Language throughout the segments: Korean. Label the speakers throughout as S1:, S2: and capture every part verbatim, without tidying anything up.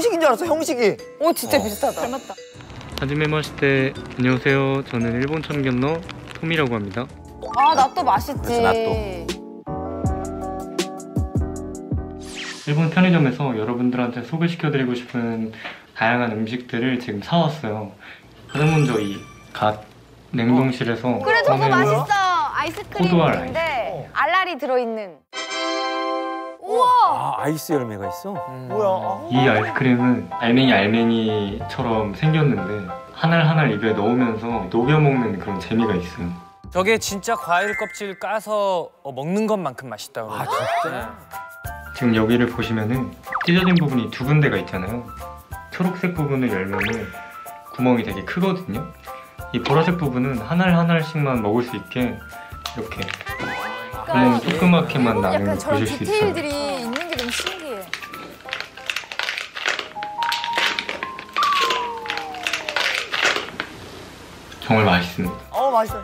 S1: 형식인 줄 알았어, 형식이.
S2: 오, 진짜 어. 비슷하다. 닮았다.
S3: 하지메마시테, 안녕하세요. 저는 일본 참견러 톰이라고 합니다.
S2: 아, 나또 맛있지.
S1: 나또.
S3: 일본 편의점에서 여러분들한테 소개시켜드리고 싶은 다양한 음식들을 지금 사왔어요. 가장 먼저 이 갓 냉동실에서
S2: 어. 그래, 저거 맛있어. 아이스크림인데 알알이 들어있는. 우와!
S4: 아, 아이스 열매가 있어?
S1: 음. 뭐야?
S3: 이 아이스크림은 알맹이 알맹이처럼 생겼는데 하날 하날 입에 넣으면서 녹여 먹는 그런 재미가 있어요.
S4: 저게 진짜 과일 껍질 까서 먹는 것만큼 맛있다고. 아, 진짜?
S3: 지금 여기를 보시면은 찢어진 부분이 두 군데가 있잖아요. 초록색 부분을 열면은 구멍이 되게 크거든요. 이 보라색 부분은 하날 하나씩만 먹을 수 있게 이렇게 구멍이 조그맣게만 나는 걸 보실 수 있어요.
S2: 디테일들이 있는 게 너무 신기해.
S3: 정말 맛있습니다.
S1: 어, 맛있어.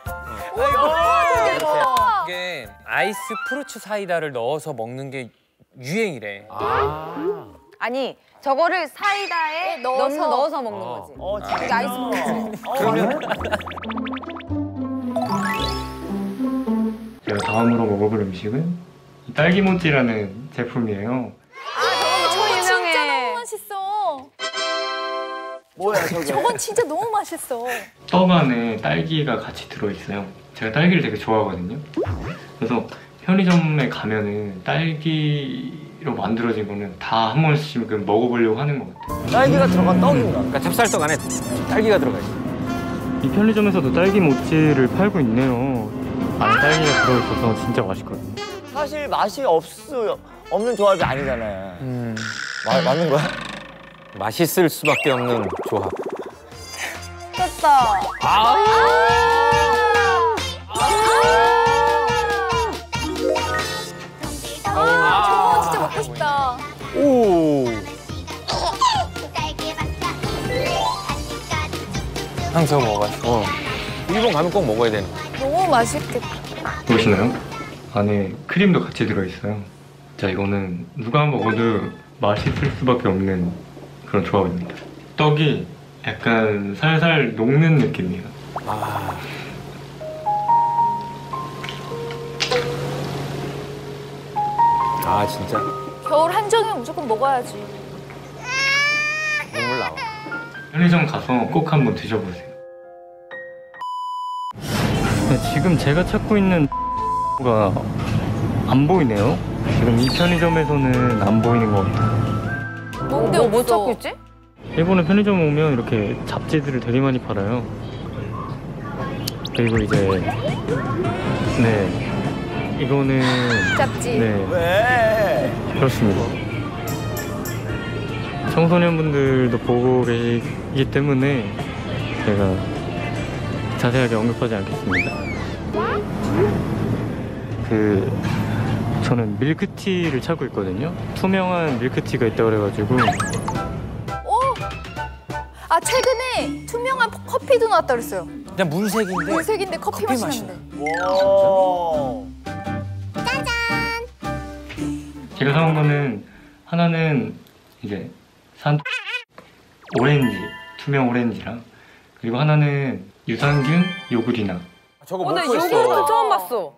S4: 이게 아이스 프루츠 사이다를 넣어서 먹는 게 유행이래.
S2: 아. 아니, 저거를 사이다에 넣어서, 넣어서 먹는
S4: 어.
S2: 거지.
S1: 어, 진짜.
S2: 이게 아이스 프루츠.
S1: 어, 그러면?
S3: 제가 다음으로 먹어볼 음식은 이 딸기모찌라는 제품이에요.
S2: 아, 저거 유명해.
S5: 진짜 너무 맛있어.
S1: 뭐야, 저게?
S5: 저건 진짜 너무 맛있어.
S3: 떡 안에 딸기가 같이 들어있어요. 제가 딸기를 되게 좋아하거든요. 그래서 편의점에 가면은 딸기로 만들어진 거는 다 한 번씩은 먹어보려고 하는 것 같아요.
S1: 딸기가 들어간 떡인가?
S4: 그러니까 찹쌀떡 안에 딸기가 들어가 있어.
S3: 이 편의점에서도 딸기 모찌를 팔고 있네요. 안에 딸기가 들어있어서 진짜 맛있거든요.
S1: 사실 맛이 없, 없는 조합이 아니잖아요.
S4: 음.
S1: 마, 맞는 거야?
S4: 맛있을 수밖에 없는 조합.
S2: 됐다.
S4: 아
S5: 아, 저거 진짜 먹고 싶다.
S4: 오. 항상 먹어봤어. 어. 일본 가면 꼭 먹어야 되는 거.
S5: 너무 맛있겠다.
S3: 보이시나요? 안에 크림도 같이 들어있어요. 자, 이거는 누가 먹어도 맛있을 수밖에 없는 그런 조합입니다. 떡이 약간 살살 녹는 느낌이에요.
S4: 아. 아, 진짜
S5: 겨울 한정에 무조건 먹어야지.
S4: 눈물 나와.
S3: 편의점 가서 꼭 한번 드셔보세요. 지금 제가 찾고 있는 가 안 보이네요. 지금 이 편의점에서는 안 보이는 것 같아요.
S5: 뭔데
S2: 뭐, 뭐
S5: 없어?
S2: 찾고 있지?
S3: 일본의 편의점 오면 이렇게 잡지들을 되게 많이 팔아요. 그리고 이제 네 이거는
S5: 잡지.
S3: 네
S1: 왜?
S3: 그렇습니다. 청소년분들도 보고 계시기 때문에 제가 자세하게 언급하지 않겠습니다. 그 저는 밀크티를 찾고 있거든요. 투명한 밀크티가 있다고 그래가지고.
S5: 어? 아, 최근에 투명한 커피도 나왔다 그랬어요.
S4: 그냥 문색인데.
S5: 물색인데 커피,
S4: 커피
S5: 맛이
S4: 맛이
S5: 난대.
S1: 와.
S3: 제가 사온 거는 하나는 이제 산 오렌지, 투명 오렌지랑 그리고 하나는 유산균 요구리나.
S4: 저거
S2: 어, 나
S4: 먹고 있어.
S2: 요거트 처음 봤어.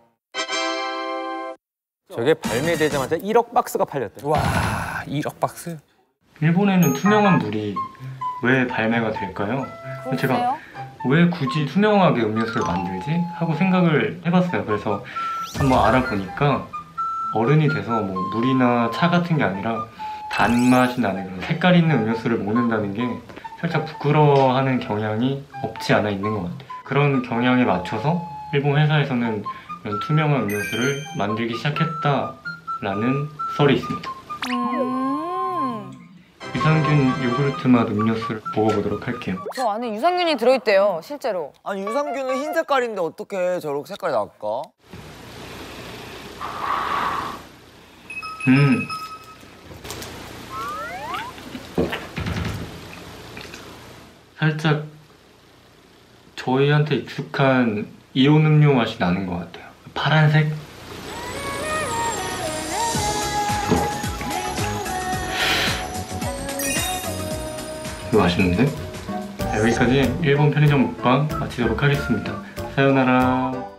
S4: 저게 발매되자마자 일억 박스가 팔렸대. 와, 일억 박스?
S3: 일본에는 투명한 물이 왜 발매가 될까요? 제가 왜 굳이 투명하게 음료수를 만들지? 하고 생각을 해봤어요. 그래서 한번 알아보니까 어른이 돼서 뭐 물이나 차 같은 게 아니라 단맛이 나는 그런 색깔 있는 음료수를 먹는다는 게 살짝 부끄러워하는 경향이 없지 않아 있는 것 같아요. 그런 경향에 맞춰서 일본 회사에서는 이런 투명한 음료수를 만들기 시작했다라는 썰이 있습니다.
S2: 음.
S3: 유산균 요구르트 맛 음료수를 먹어보도록 할게요.
S2: 저 안에 유산균이 들어있대요, 실제로.
S1: 아니, 유산균은 흰 색깔인데 어떻게 저렇게 색깔이 날까?
S3: 음. 살짝 저희한테 익숙한 이온 음료 맛이 나는 것 같아요. 파란색? 이거 맛있는데? 자, 여기까지 일본 편의점 먹방 마치도록 하겠습니다. 사요나라.